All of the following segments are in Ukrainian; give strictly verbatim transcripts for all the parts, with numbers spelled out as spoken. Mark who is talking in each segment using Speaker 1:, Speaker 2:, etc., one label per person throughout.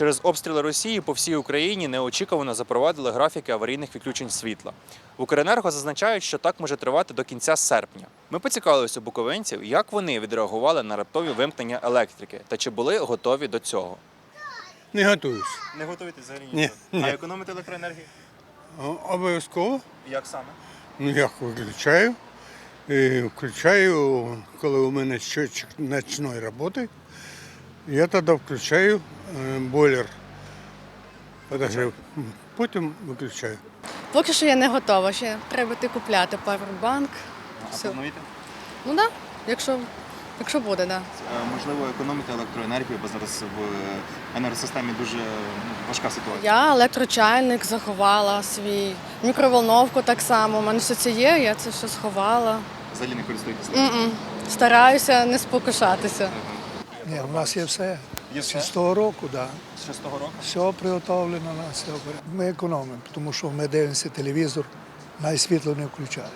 Speaker 1: Через обстріли Росії по всій Україні неочікувано запровадили графіки аварійних відключень світла. В Укренерго зазначають, що так може тривати до кінця серпня. Ми поцікавилися у буковинців, як вони відреагували на раптові вимкнення електрики та чи були готові до цього.
Speaker 2: Не готуюсь.
Speaker 1: Не готуєтесь взагалі
Speaker 2: Ні, ні.
Speaker 1: А економити електроенергію?
Speaker 2: О- Обов'язково.
Speaker 1: Як саме?
Speaker 2: Ну, як виключаю. І включаю, коли у мене щотчик ночної роботи, я тоді включаю е, бойлер. Подогрів. Потім виключаю.
Speaker 3: Поки що я не готова, ще треба йти купляти павербанк.
Speaker 1: А
Speaker 3: Все.
Speaker 1: плануєте?
Speaker 3: Ну так, да, якщо, якщо буде, так. Да.
Speaker 1: Можливо, економити електроенергію, бо зараз в енергосистемі дуже важка ситуація.
Speaker 3: Я електрочайник заховала свій, мікроволновку так само. У мене все це є, я це все сховала.
Speaker 1: Взагалі не користуєтеся?
Speaker 3: М-м. Стараюся не спокушатися.
Speaker 4: Ні, у нас є все.
Speaker 1: Є
Speaker 4: З
Speaker 1: все?
Speaker 4: шостого року, так. Да.
Speaker 1: З шостого року?
Speaker 4: Все приготовлено на все. Ми економимо, тому що ми дивимося телевізор, навіть світло не включаємо.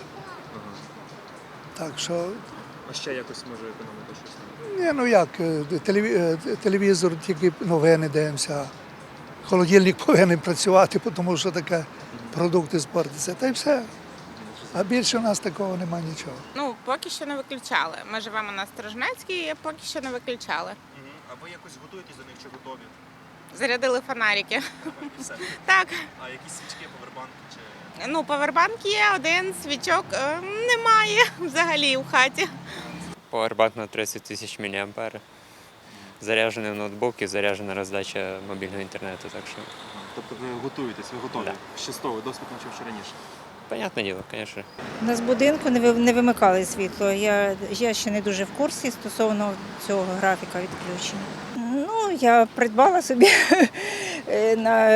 Speaker 4: Так що,
Speaker 1: А ще якось може економити щось?
Speaker 4: ні, ну як, е, телеві- е, телевізор, тільки новини дивимося. Холодильник повинен працювати, тому що таке продукти спортяться. Та й все. А більше у нас такого немає нічого.
Speaker 5: Ну, поки що не виключали. Ми живемо на Сторожнецькій, і поки що не виключали.
Speaker 1: А ви якось готуєтесь до них чи готові?
Speaker 5: Зарядили фонарики.
Speaker 1: І все.
Speaker 5: Так,
Speaker 1: А якісь свічки, повербанки чи...
Speaker 5: ну, павербанк є, один свічок е, немає взагалі в хаті.
Speaker 6: Powerbank на тридцять тисяч міліампер. Заряджений ноутбук і заряджена роздача мобільного інтернету. Так що,
Speaker 1: Тобто ви готуєтесь, ви готові?
Speaker 6: Да.
Speaker 1: Ще з того, досвід навчив ще раніше.
Speaker 6: понятне діло, звісно.
Speaker 7: У нас в будинку не ви- не вимикали світло. Я, я ще не дуже в курсі стосовно цього графіка відключення. Ну, я придбала собі е, на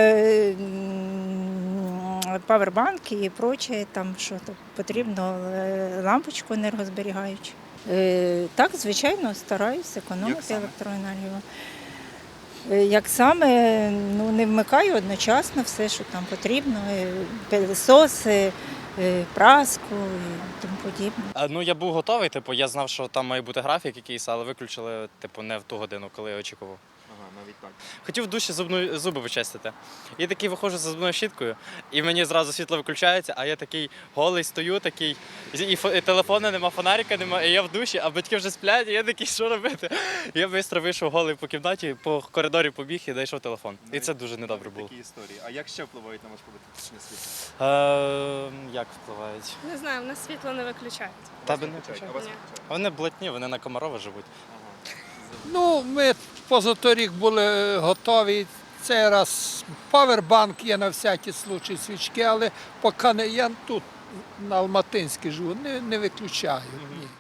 Speaker 7: м, павербанк і проче, там що то потрібно, е, лампочку енергозберігаючу. Е, Так, звичайно, стараюся
Speaker 1: Як
Speaker 7: економити
Speaker 1: саме?
Speaker 7: електроенергію. Е, Як саме, ну не вмикаю одночасно все, що там потрібно, е, пилососи, е, праску і тому подібне.
Speaker 8: А, Ну, я був готовий, типу, я знав, що там має бути графік якийсь, але виключили, типу, не в ту годину, коли я очікував.
Speaker 1: Ага, навіть так.
Speaker 8: Хотів в душі зубну, зуби почистити. І такий виходжу за зубною щіткою, і мені зразу світло виключається, а я такий голий стою, такий, і, фо- і телефону нема, фонарика нема, і я в душі, а батьки вже сплять, і я такий, що робити? І я швидко вийшов голий по кімнаті, по коридорі побіг і знайшов телефон. І це дуже недобре було.
Speaker 1: Такі історії. А як ще впливають на ваш побут світло?
Speaker 8: Е, як впливають?
Speaker 9: Не знаю, в нас світло не виключають.
Speaker 8: Тебе не
Speaker 1: А
Speaker 8: включають?
Speaker 1: вас
Speaker 9: Ні.
Speaker 1: включають?
Speaker 8: Вони блатні, вони на Комарова живуть.
Speaker 10: Ну, ми позаторік були готові. Цей раз павербанк є на всякий случай свічки, але поки не я тут на Алматинській живу, не, не виключаю. Ні.